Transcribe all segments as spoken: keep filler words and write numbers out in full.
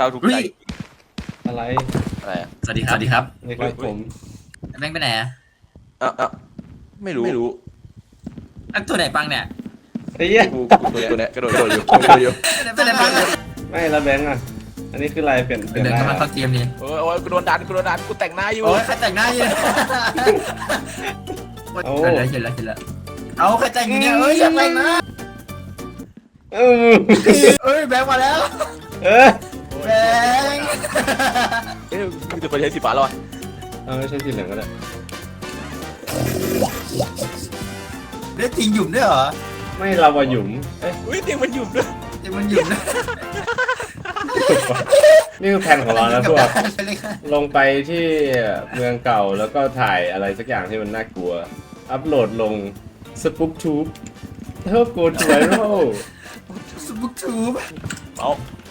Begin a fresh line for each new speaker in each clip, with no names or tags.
เราถูกใจ
อะไร
อะไรอ่ะ
สวัสดีครับสวัสดีครับ
นี่ครับผม
แม่งไปไหนอะ
เอ้าเอ้าไม่รู้ไม่รู้
อ่ะตัวไหนปังเนี่ย
ไอ้เหี้ย
กูกูตัวตัวเนี้ยกระโดดกระโดดอยู่กระโดดอยู่
ตัวไหนปังเนี่ย
ไม่ละแบงค์อ่ะอันนี้คืออะไรเปลี่ยนเปลี่ยน
เดิน
ได้
เข้ามาเข้าเกมนี่
โอ้ยโอ้ยกูโดนดันกูโดนดันกูแต่งหน้าอยู่
โอ้ยใครแต่งหน้าอยู่เห็นแล้วเห็นแล้วเห็นแล้วเอาใครแต่งอยู่เนี่ยเอ้ยอย่าแต่งนะ
เออ
เอ้ยแบงค์มาแล้ว
เออ
แบงค์
เอ๊ะกูจะไปใช้สีฟ้าแล้วอ่ะ
เอาไม่ใช่สีเหลืองก็ได้
ได้จริงหยุ่มด้วยเหรอ
ไม่เราว่าหยุมเอ้ย
อุ้ยเตียงมันหยุดด้วย
จริงมันหยุ่มด้วย
นี่คือแผนของเรานะพวก
ไปเลยค่ะ
ลงไปที่เมืองเก่าแล้วก็ถ่ายอะไรสักอย่างที่มันน่ากลัว อัพโหลดลงสปุกทูบเท่าโกดไวรัล
สบุกทูบ
เอา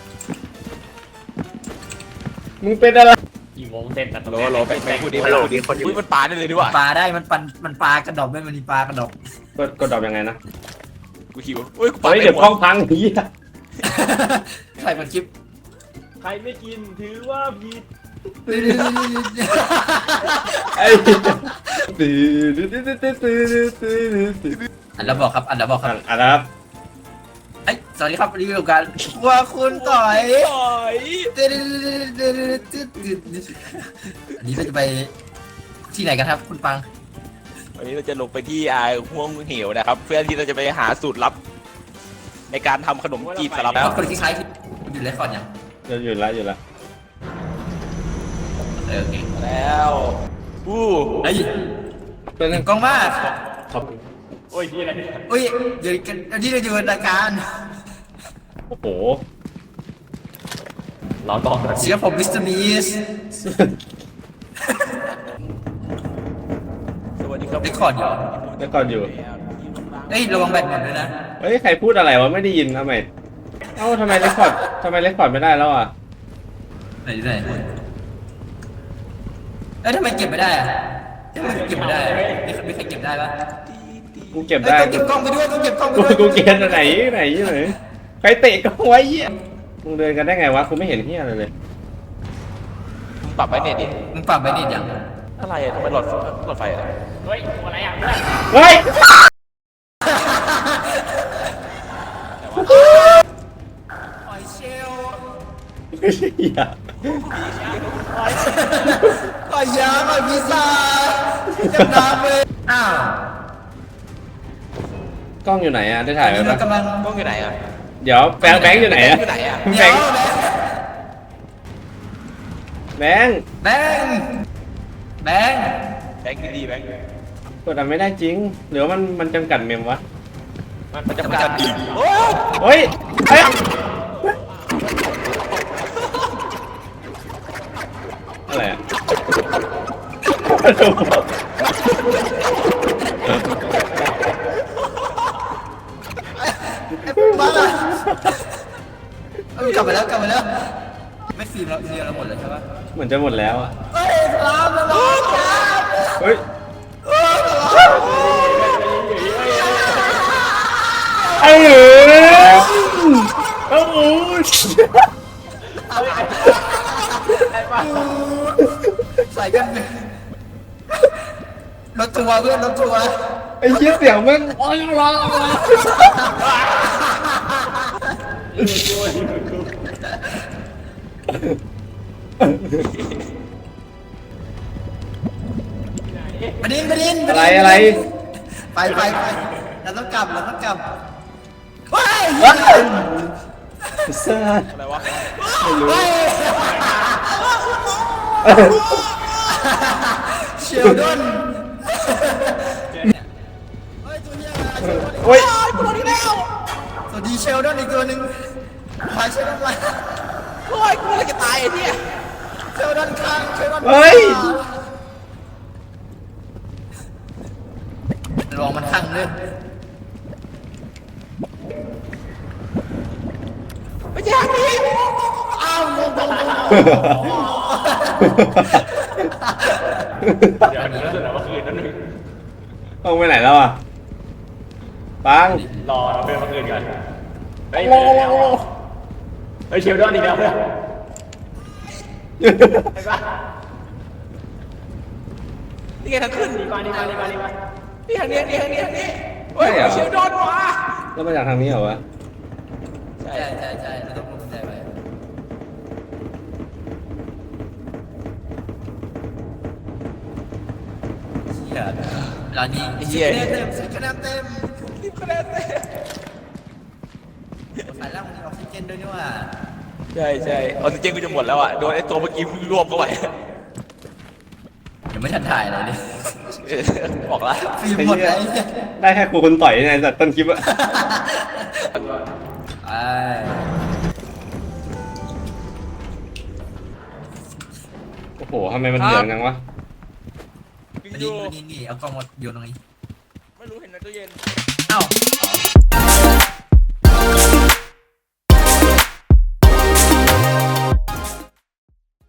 มึงเป็นอะไร
กี่โมงเสร็จนะ
โหลโหลไปไปพูดดีไปพูดดีคนอุ้ยมันปาได้เลยดีกว่า
ปลาได้มันปันมันปลากระดอกด้วยมันมีปลากระดอก
กดกดดอกยังไงนะ
กูหิวอุ้ยกูปา
เฮ้ย
ได้
เดี๋ยว
หม
กล้อง
ด
พังเฮีย
ใครมันคลิป
ใครไม่กินถือว่าผิด
ไอ้ตื่นตื่นตื่นตื่นตื่นตื่น
อันแล้วบอกครับอันแล้วบอกครับ
อ่ะนะครับ
เอ้ยสวัสดีครับรีวิวกันว่าคุณต่อย
โอ้ย
อันนี้เราจะไปที่ไหนกันครับคุณปัง
วันนี้เราจะลงไปที่อ่าห่วงเหวนะครับ เพื่อที่เราจะไปหาสูตรลับ ในการทำขนมจีบสลับ
แล้วคนคล้ายๆที่อยู่เลคคอร์ดยัง
จะหยุดละหยุดละ
เออโอเค
แล้วอู้
เฮ้ย
เป็น
หนึ่งกล้องมาก
ครับ
โอ้ยที่อะไรเนี่ย
อุ้ยเดี๋ยวกันอันนี้เราอยู่ในรายการ
โอ้โห
รอก่อนนะ
เสียผมมิสเตอร์มีส
สวัสดีครับ
เลคคอร์ดอยู่
แล้วก่อนอยู่
เฮ้ยระวังแบตหมดด้วยนะ
เฮ้ยใครพูดอะไรวะไม่ได้ยินทำไมเอ้าทำไมเรคคอร์ดทำไมเรคคอร์ดไม่ได้แล้วอ่ะ
ไหนไหนเอ้ยทำไมเก็บไม่ได้อะทำไมเก็บไม่ได้อะมีมีใครเก็บได้ปะ
กูเก็บ
เอ้ย
ได้
ต้องเก็บกล้องไปด้วยต้องเก็บกล้องไป
กู
ด้วย
กูเก็บอันไหนไหนไหนใครเตะกล้องไว้เหี้ยมึงเดินกันได้ไงวะกูไม่เห็นเหี้ยอะไรเลย
มึงปรับไว้เน็ตดิ
มึงปรับไปนิดยัง
อะไรอะทำไมหลอดหลอดไฟอะไร
เฮ้ยอะไรอ่ะเพื่อน
เฮ้ย
หอยเชล
เหี้ย
หอยยางหอยพิซซ่าจำน้ำเลยอ้าว
กล้องอยู่ไหนอ่ะได้ถ่ายไว้
นี่
ปะ
เรากำลัง
กล้องอยู่ไหนอะ
เดี๋ยวแบงค์แบงค์อยู่ไหนอ่ะ
อยู่ไหนอะ
แบ
เดี๋ย
ง
ว
ค์แบงค์
แบงค์แบงค์
แบงค์ดีๆแบงค์
กดอันไม่ได้จริงหรือว่ามันมันจำกัดเมมวะ
มันจะการโอ้
เฮ้ยเฮ้ยอะไรอ่ะ
บ้าเอ้ยกลับมาแล้วกลับมาแล้วไม่ฟิล์มแล้วฟิล์มเราหมดเลยใช่ปะ
เหมือนจะหมดแล้วอ่ะ
เฮ้ยลามแล้วลามลาม
เฮ้ยไอ้เหรอโอ้โห
ใส่กันรถทัวร์เพื่อนรถทัวร์
ไอ้เหี้ยเสียงแม่งโอ้ยร้อง
ประเด็นประเด็น
อะไรอะไร
ไปไปไปเราต้องกลับเราต้องกลับว้าย
ซ่า
อะไรวะ
ไม่รู้
เชลดอนเฮ้ยตัวเนี้ย
โอ้ย
ตัวนี้แล้วสวัสดีเชลดอนอีกตัวหนึ่งพาเชลดอนมา
โอ้ยกูเลยจะตายไอ้เนี่ย
เชลดอนข้างเชลดอน
เฮ้ย
ลองมันข้างเลย
ไม่ใช่นี่
อ้าวงงงง
เดี๋ยวเดี๋ยวเดี๋ยวมาคืนนั่นนึง
ต้องไปไหนแล้วอ่ะปัง
รอเราเพื่อนมาคืนกันเฮ้ยเฮ้ยเชลดอนอีกแล้วเพื่อนไปปะ
นี่ไงทางขึ้น
ดีกว่าดีกว่าดีกว่าดีกว่า
นี่ทางนี้นี่ทางนี้ทางนี้เฮ้ยเชลดอนมา
แล้วมาจากทางนี้เหรอวะ
ใช่
ใช่ใช่ใช่เราต้องลงใจไปเชี่ยร้านนี้สิบคะแนนเต็มสิบคะแนนเต็ม
รีบคะแนนเต้
สายล่างมันมีออกซิเจนด้วยนี่ว่า
ใช่ใช่ออกซิเจนกูจะหมดแล้วอ่ะโดนไอ้ตัวเมื่อกี้มึงรวบเข้าไป
ยังไม่ทันถ่ายเลยดิ
เออบอกแล้ว
ฟิล์มหมดเลย
ได้แค่ครูคนต่อยในสัตว์ต้นคลิปอะ
ไอ้
โอ้โหทำไมมันเหลืองจังวะ
วิ
มา
ดี
นี่
โอ
มานี่นี่เอากล้องมาโยนตรงนี้
ไม่รู้เห็นในตู้เย็น
เอ้า